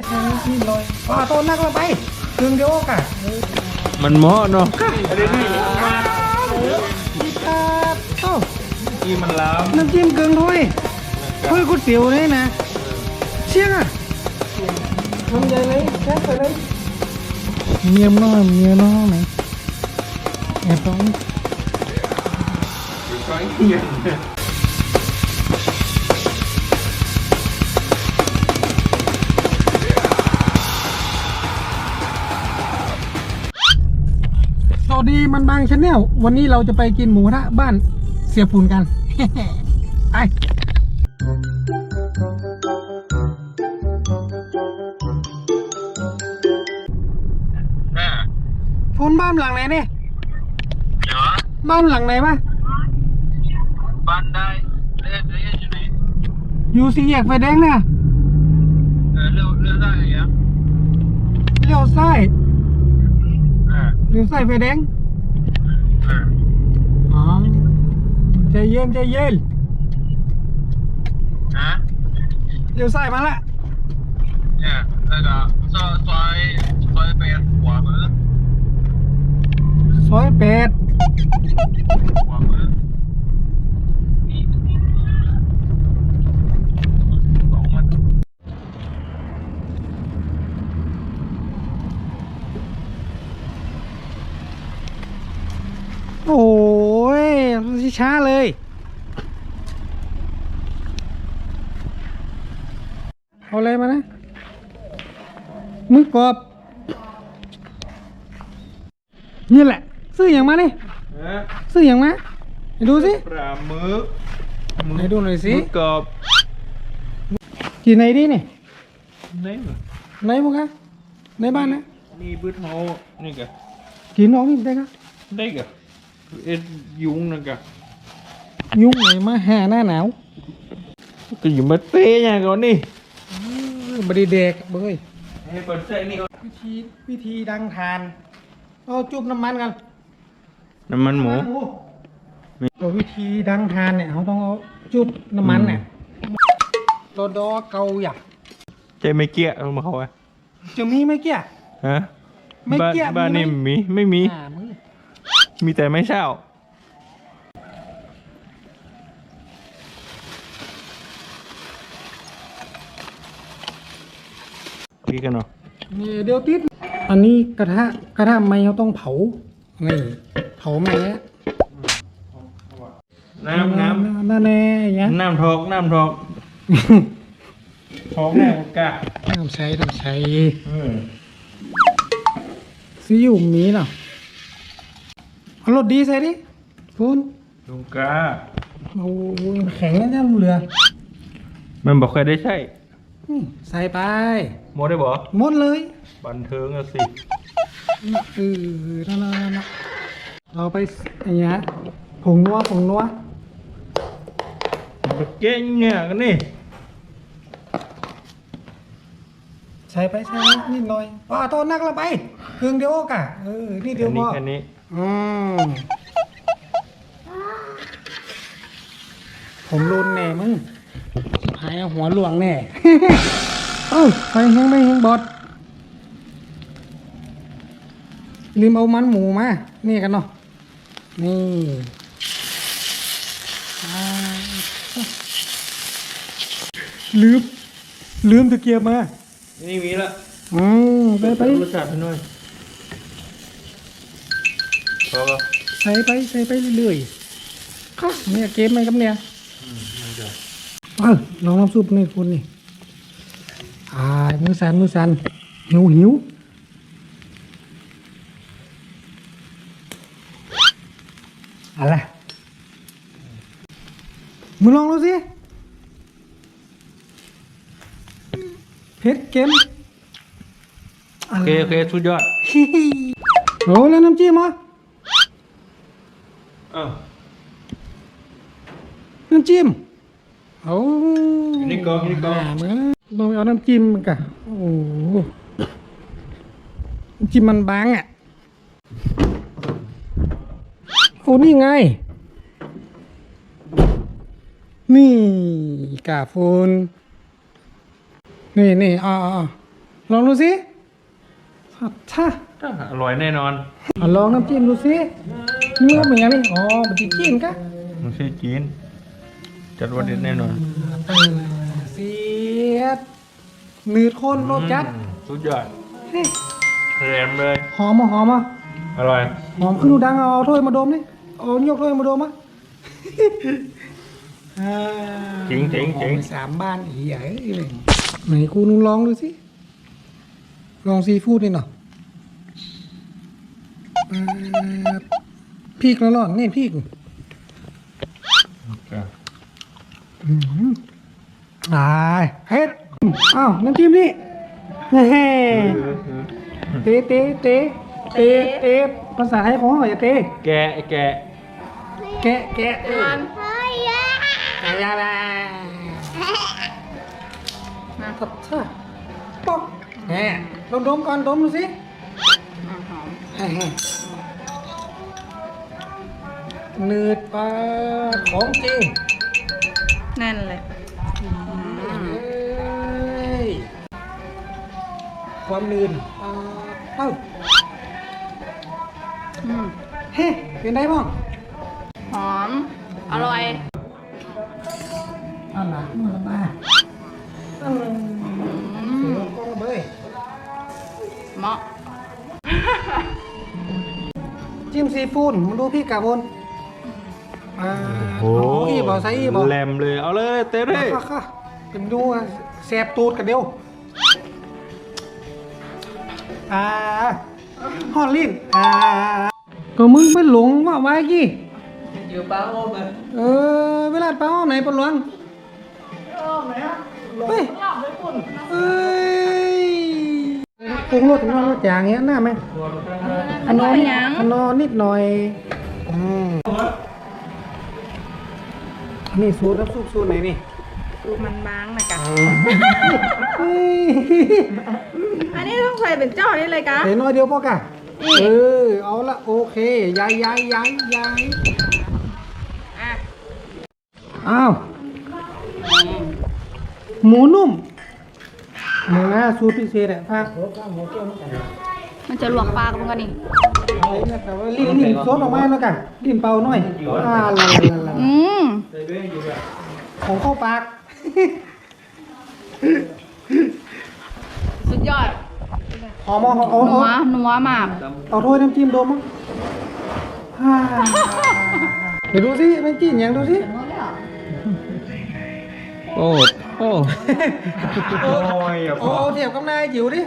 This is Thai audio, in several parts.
นี่ลอยต้นนักละไปเครื่องเดียวกันมันเหมาะเนาะที่มันล้ำน้ำจิ้มเกลือถ้วยก๋วยเตี๋ยวนี่นะเชี่ยงอ่ะทำใหญ่เลยแค่ไปเลยเมียน้องไหนแอบต้องสวัสดีมันบางชาแนลวันนี้เราจะไปกินหมูกระทะบ้านเสียฝุ่นกัน ไปฝุ่นบ้านหลังไหนเนี่ยบ้านหลังไหนวะบ้านได้เรียกอยู่ไหนอยู่สี่แยกไฟแดงเนี่ยเลี้ยวได้ยังเลี้ยวซ้ายเลี้ยวซ้ายไฟแดงอ๋อใจเย็นฮะเลี้ยวซ้ายมาละเนี่ยแล้วก็ซอยแปดขวามือซอยแปดขวามือโอ้ยช้าเลยเอาอะไรมานะมือกรอบนี่แหละซื้ออย่างมาเนี่ยซื้ออย่างมาดูสิปลาหมึกไหนดูหน่อยสิกรอบกี่ไหนดิเนี่ยไหนมั้งคะในบ้านนะนี่บื้อเท้านี่กะกินออกนี่ได้กะได้กะยุงนะกะยุงไหนมาหาหน้าหนาวก็อยู่มาเตะอย่างก่อนนี่บริเด็กเบ้ยให้เปิดเส้นนี่วิธีดังทานเอาจุบน้ำมันกันน้ำมันหมูวิธีดังทานเนี่ยเขาต้องเอาจุบน้ำมันเนี่ยตัวดอเกาอย่าใจไม่เกี้ยมาเขาอะจะมีไม่เกี้ยฮะไม่เกี้ยบ้านนี่ไม่มีแต่ไม่เช่าพี่กันเนาะนี่เดี๋ยวติดอันนี้กระทะไม้เขาต้องเผานี่เผาไม้แล้วน้ำแน่ยังน้ำทอกท้องแน่กะน้ำใช้ซีอิ๊วมีเนาะเอารสดีใส่ดิคุณลุงกาโอ้ยแข็งแล้วเนี่ยเรือมันบอกใครได้ใช่ใส่ไปหมดได้บ่หมดเลยบันเทิงอะสินั่นเราไปอย่างเงี้ยผงนัวเก่งเนี่ยกันนี่ใส่ไปนิดหน่อยต้นนักละไปเครื่องเดียวกะนี่เดียวพอแค่นี้ผมรุนแน่มึงหายหัวหลวงแน่ไปแห้งไม่แห้งบดลืมเอามันหมูมานี่กันเนาะนี่ลืมตะเกียบมานี่มีละไปรสชาติหน่อยพอใส่ไปเรื่อยๆเนี่ยเกมไหมครับเนี่ยลองน้ำซุปนี่คุณนี่มือสั่นหิวอะไรมึงลองดูสิเผ็ดเค็มโอเคสุดยอดโอ้แล้วน้ำจิ้มอ่ะน้ำจิ้มนี่ก็ลองเอาน้ำจิ้มมันกะโอ้น้ำจิ้มมันบางอ่ะโอ้นี่ไงนี่กาฟูนนี่ลองดูสิช่าอร่อยแน่นอนลองน้ำจิ้มดูสิเนื้อเป็นยังไงอ๋อมันจะจิ้มกะมันใช่จีนจัดว่าเด็ดแน่นอนเสียดหนืดข้นรสจัดสุดยอดเฮ้ยแรมเลยหอมอ่ะอร่อยหอมขึ้นดูดังเอาถ้วยมาดมนี่เอายกถ้วยมาดมอ่ะเจ๋งหอมสามบ้านอีใหญ่เลยไหนกูนึงลองดูสิลองซีฟู้ดนี่หน่อยพริกแล้วร้อนนี่พริกเฮ็ดอ้าวน้ำจิ้มนี่เฮ้เตภาษาไทยของเขาอย่าเตแกะแกะมันอะไรมาทับท่าป๊อกแหมดมก่อนดมดูสิหนืดปลาของจริงแน่นเลยความลื่นเอ้าเฮ้เป็นได้บ้างหอม อร่อยเอาหนักมาละมาเสียงกล้องเบยเหมาะจิ้มซีฟู้ดมาดูพี่กาบนอีบอกใส่อีบอกแรมเลย เอาเลยเต้เลยค่ะเป็นดูแสบตูดกันเดียวฮอลลินก็มึงไปหลงว่าไว้กี่อยู่ป้าโอมเวลาป้าโอมไหนปะหลวงเฮ้ยปรุงรสน้ำจางเงี้ยน่าไหมอันนอนนิดหน่อยนี่สูตรน้ำซุปสูตรไหนนี่ดูมันบางนะกะอันนี้ต้องใส่เป็นเจ้านี่เลยกะใส่น้อยเดียวพอกะเอาละโอเคย้ายอ้าวหมูนุ่มหมูนะสูตรพิเศษอ่ะภาคมันจะลวกปลากันกันนี่แต่ว่าลิ้นซดออกมาแล้วกันลิ้นเป่าหน่อยละมของเข้าปากสุดยอดหอมเอานัวมากเอาถ้วยน้ำจิ้มดมมั้งเดี๋ยวดูสิน้ำจิ้มอย่างดูสิโอ้โอ้โอ้เทียบกับนายจิ๋วดิ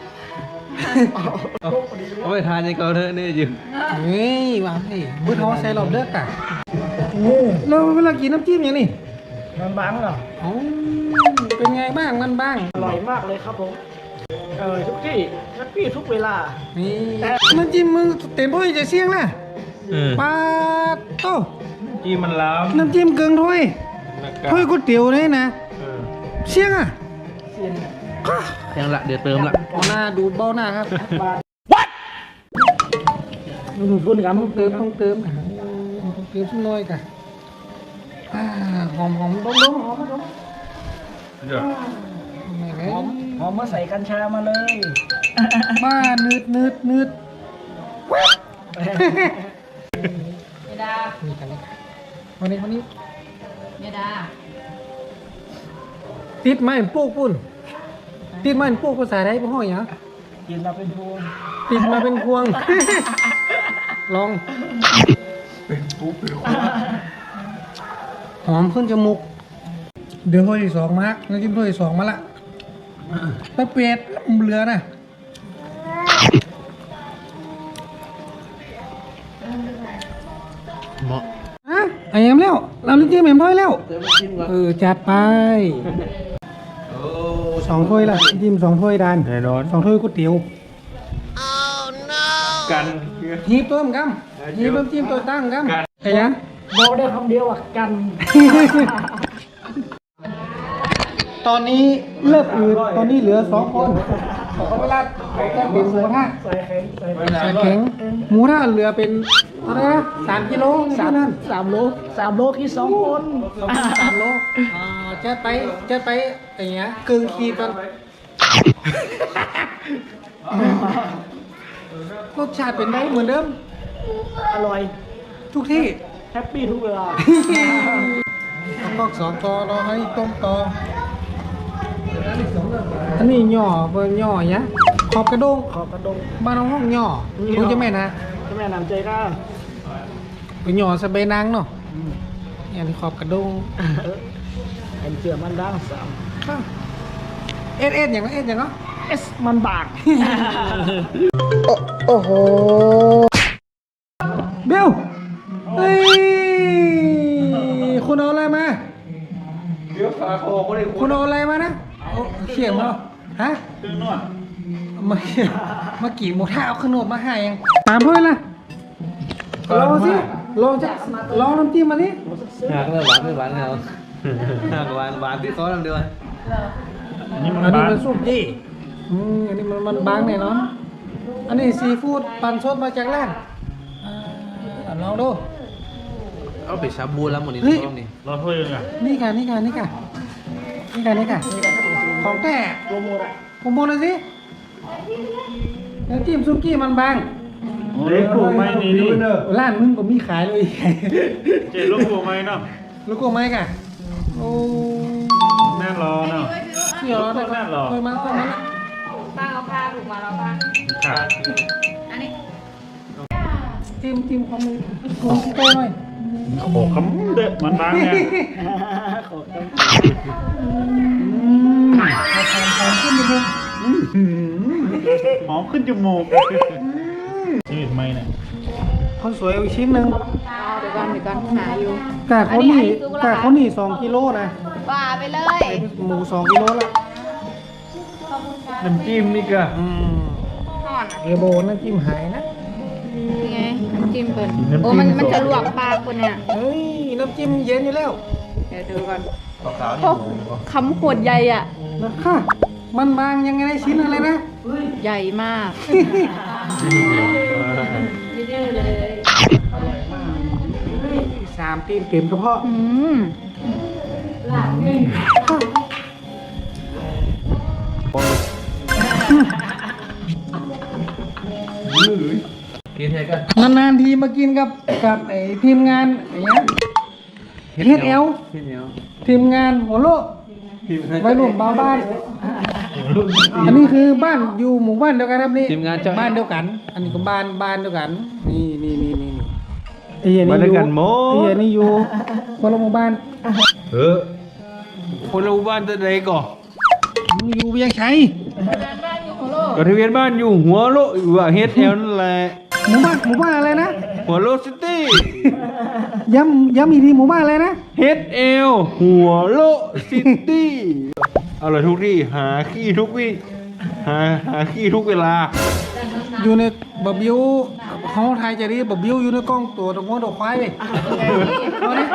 เอาไปทานในเกาเถอะนี่จิ๋วนี่วางสิมือท้อใส่หลอดเลือกอ่ะแล้วเวลากินน้ำจิ้มอย่างนี้มันบางเหรอเป็นไงบ้างมันบ้างอร่อยมากเลยครับผม ทุกที่ทุกเวลานี่น้ำจิ้มมึงเต็มถ้วยจะเสี่ยงนะปลาโต้จีมันล้ำน้ำจิ้มเกินถ้วยถ้วยก๋วยเตี๋ยวนี่นะเสี่ยงอ่ะยังละเดี๋ยวเติมละเอาหน้าดูเบ้าหน้าครับ What คุณกันต้องเติมสักหน่อยกันหอมดมหอมเดี๋ยวหอมมาใส่กัญชามาเลยบ้านืดเยดานี่กันนี่วันนี้เยดาติดไม้ปุ๊กปุ่นติดไม้ปุ๊กภาษาไทยพ่ออย่างกินมาเป็นพวงติดมาเป็นพวง ลองหอมขึ้นจมูกเดี๋ยวถ้วยที่สองมาน้ำจิ้มถ้วยที่สองมาละไปเปียดเหลือนะเหมาะไอ้ยังแล้วเราน้ำจิ้มเอ็มถ้วยแล้วจัดไปสองถ้วยละจิ้มสองถ้วยดานแน่นอนสองถ้วยก๋วยเตี๋ยวกันหีบต้มกัมหีบน้ำจิ้มตัวตั้งกัมไอ้ยังบอกได้คำเดียวอ่ะกันตอนนี้เลิกอืดตอนนี้เหลือ2 คนเวลาเป็นหมูทะใส่แข็งใส่ใส่แข็งหมูทะเหลือเป็นอะไรนะ3 กิโลเท่านั้น 3 โลคิด2 คน 3 โลจะไปอย่างเงี้ยกึ่งขีดกันสชาติเป็นไงเหมือนเดิมอร่อยทุกที่แฮปปี้ทุกเวลากอกสองกอรอให้ต้มกออันนี้ย่อเบอร์ย่อเนี้ยขอบกระด้งขอบกระดงบ้านน้องห้องย่อรู้จะแม่นะเจ้าแม่นำใจกล้าเป็นย่อสะเบนังเนาะอย่างนี้ขอบกระด้งไอ้เจือมันดังสามเอสอย่างนั้นอย่างนั้นเอสมันบากโอ้โหเบลเฮ้ยคุณเอาอะไรมาเดี๋ยวขาคอก็ได้คุณเอาอะไรมานะเขียนมาฮะตึงนวดมากี่โมท่าเอาขนมมาให้ยังตามเพื่อนละลองสิลองน้ำจิ้มมาดิหักเลยหวานไม่หวานแล้วหักหวานหวานที่เขาทำเดียวอันนี้มันซุปยี่อันนี้มันบางแน่นอนอันนี้ซีฟู้ดปั่นสดมาจากร้านลองดูเอาไปชาบูแล้วหมดนี่ต้องนี่รอถ้วยนึงอ่ะนี่ค่ะของแท้โปรโมทอ่ะผมบอกเลยสิน้ำจิ้มซุกี้มันบางเล็กถูกไหมนี่นี่ร้านมึงก็มีขายเลยเจ๊ลูกถูกไหมเนาะลูกโก้ไหมกะโอ้แน่รอเนาะเสี่ยวเราได้นั่นเหรอเคยมาป้าเอาผ้าผูกมาแล้วป้าค่ะอันนี้จิ้มของมึงกูใกล้หน่อยโอ้คำเด็ดมันบางเนี่ยขอบคุณ หอมขึ้นจมูกนี่ทำไมเนี่ยคนสวยเอาอีกชิ้นหนึ่งเอาเดี๋ยวก่อนหาอยู่กะเขานี่2 กิโลนะว่าไปเลยหมู2 กิโลละน้ำจิ้มนี่ก็ห่อนเอโบน้ำจิ้มหายนะนี่ไงน้ำจิ้มเปิดโอ้มันจะลวกปลาคนเนี่ยเฮ้ยน้ำจิ้มเย็นอยู่แล้วเดี๋ยวดูก่อนขาวพวกคำขวดใหญ่อ่ะนะค่ะมันบางยังไงชิ้นอะไรนะใหญ่มากดื้อเลย 3 ตีนเต็มกระเพาะอืมกินเทกันนานๆทีมากินกับไอ้ทีมงานไอ้เนี้ยเฮ็ดเอลพี่เหนียวทีมงานหัวโลกไว้รวมบ้าน อันนี้คือบ้านอยู่หมู่บ้านเดียวกันครับนี่ทีมงานเจ้าบ้านเดียวกัน อันนี้ก็บ้านเดียวกัน นี่ไอ้เหี้ยนี่อยู่ไอ้เหี้ยนี่อยู่คนละหมู่บ้านคนละบ้านตัวใดก่ออยู่เวียงชัยก็ทะเบียนบ้านอยู่หัวโลอยู่ว่าเฮดแอลนั่นแหละหมู่บ้านอะไรนะหัวโลซิตี้ย้ำอีกทีหมู่บ้านอะไรนะเฮดแอลหัวโลซิตี้เอาเลยทุกที่หาขี้ทุกวิหาขี้ทุกเวลาอยู่ในบะบิวเขาไทยจะเรียกบะบิวอยู่ในกล้องตัวตะงอนตัวควายไปรอเนี่ย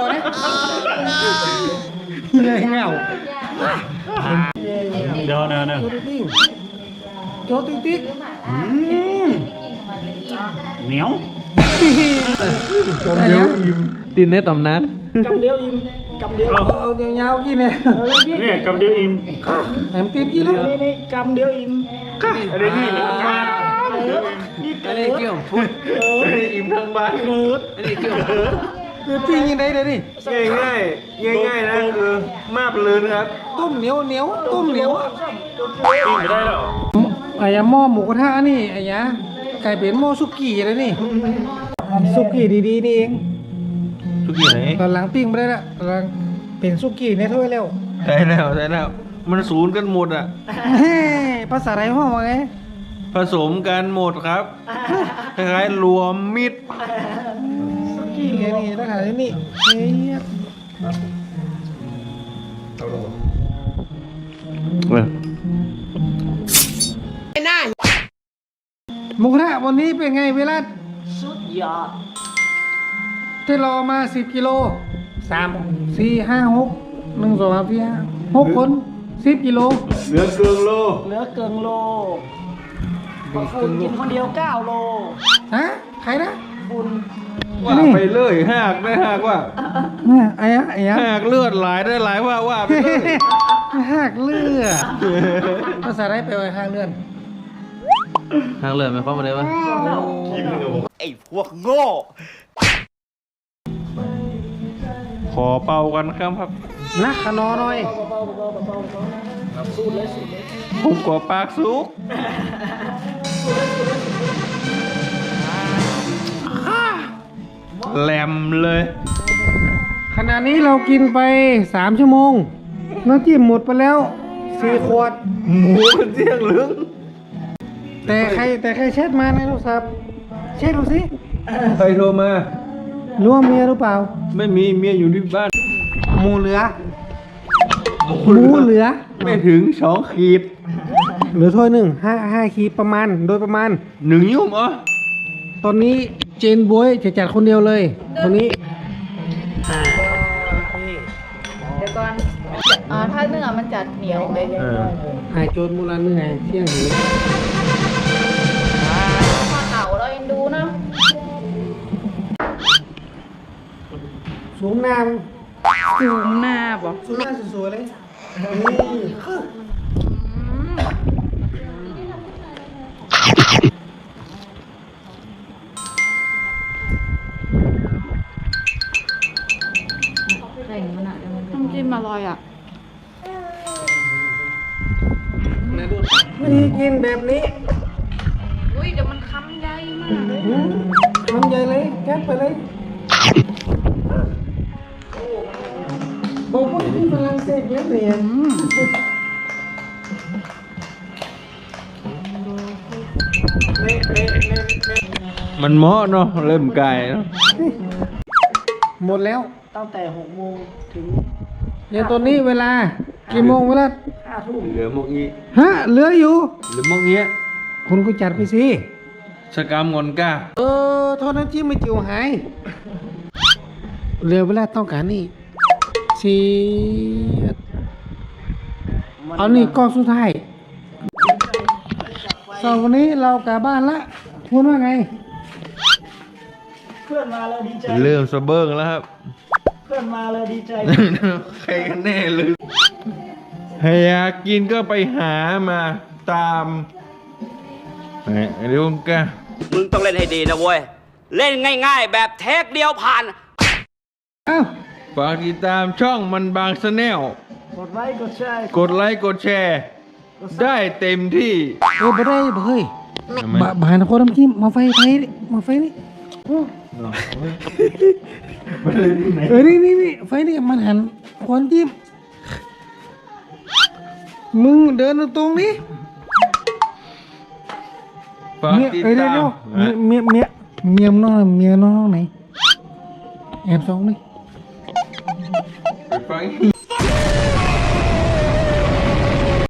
เลยเงาเดี๋ยวเดี๋ยวโจติ๊กเหนียวอะไรนะตินในตำนานกำเดียวอิ่มกำเดียวเอาเงาๆกินเนี่ยเนี่ยกำเดียวอิ่มแหมติ๊กกินเลยนี่กำเดียวอิ่มอันนี้นี่นี่อันนี้เกี่ยวพุทธอันนี้อิ่มทั้งบ้านอันนี้เกี่ยวพุทธคือปิ้งยังไงเลยดิง่ายนะคือมาบเลยนะครับต้มเหนียวต้มเหนียวอิ่มไม่ได้หรอไอ้ยาหม้อหมูกระทะนี่ไอ้ยาไก่เป็นหม้อสุกี้เลยนี่สุกี้ดีๆนี่เองทุกอย่างไหนตอนหลังปิ้งไม่ได้ละตอนหลังเป็นสุกี้ในถ้วยแล้วใช่แล้วมันศูนย์กันหมดอ่ะเฮ้ภาษาไรห้องว่าไงผสมกันหมดครับคล้ายๆรวมมิตรสุกี้ไงนี่ต้องหาที่นี่เฮ้ยหมูกระทะวันนี้เป็นไงเวลาสุดยอดที่รอมา10 กิโล3 4 5 6 1 2 3 4 5 6 คน10 กิโลเหลือเกินโลเหลือเกินโลคุณกินคนเดียว9 โลฮะใครนะคุณว่าไปเลยหากได้หากว่าเนี่ยไอ้ยะหากเลือดไหลได้ไหลว่าไปเลยหักเลือดภาษาไรไปไว้ห้างเลือดทางเลือกหมายความว่าอะไรวะไอ้พวกโง่ขอเป่ากันครับนักขนอหน่อยผมขอปากสุกแหลมเลยขณะนี้เรากินไป3 ชั่วโมงน้ำจิ้มหมดไปแล้ว4 ขวดหมูกันเที่ยงลึงแต่ใครแชทมาในโทรศัพท์เช็คดูสิใครโทรมารู้ว่าเมียหรือเปล่าไม่มีเมียอยู่ที่บ้านหมูเหลือหมูเหลือไม่ถึง2 ขีดเหลือถ้วยหนึ่ง5 ขีดประมาณโดยประมาณ 1 ยุ่มเหรอตอนนี้เจนบวยจะจัดคนเดียวเลยคนนี้เดี๋ยวก่อนถ้าเนื้อมันจะเหนียวไหมหายโจรมูลนิธิเที่ยงหิวพอเต่าเราเอ็นดูเนาะสูงหน้าสูงหน้าบ่สูงหน้าสวยๆเลยน้ำจิ้มอร่อยอ่ะวิธีกินแบบนี้อุ้ยเดี๋ยวมันคำใหญ่มากเลยทำใหญ่เลยแก๊สไปเลยบอกว่าที่ฝรั่งเศสเนี่ยเนี่ยมันเหมาะเนาะเริ่มไก่เนาะหมดแล้วตั้งแต่6 โมงถึงเนี่ยตอนนี้เวลากี่โมงเวลา 5 ทุ่มเหลือหมกงี้ฮะเหลืออยู่หรือหมกเงี้ยคุณก็จัดไปสิสกามงอนก้าโทษน้ำจิ้มไม่จิ๋วหายเหลือเวลาต้องการนี่สีเอานี่ก้อนสุดท้ายสำหรับวันนี้เรากลับบ้านละพูดว่าไงเพื่อนมาแล้วดีใจเริ่มสะเบิ้งแล้วครับเพื่อนมาแล้วดีใจใครกันแน่เลยให้อยากกินก็ไปหามาตามเดี๋ยวแกมึงต้องเล่นให้ดีนะเว้ย เล่นง่ายๆ แบบเทคเดียวผ่านอ้าวฝากติดตามช่องมันบางสแนลกดไลค์กดแชร์กดไลค์กดแชร์ ได้เต็มที่บ่ได้บ่เฮ้ยบานคนน้ำจิ้มมาไฟนี่มาไฟนี่นี่ไฟนี่มันหันคนจิ้มมึงเดินตรงนี้ฝากเมียติดเดี๋ตายวมเมียน้องไหนแอบส่องนี่ไปฟัง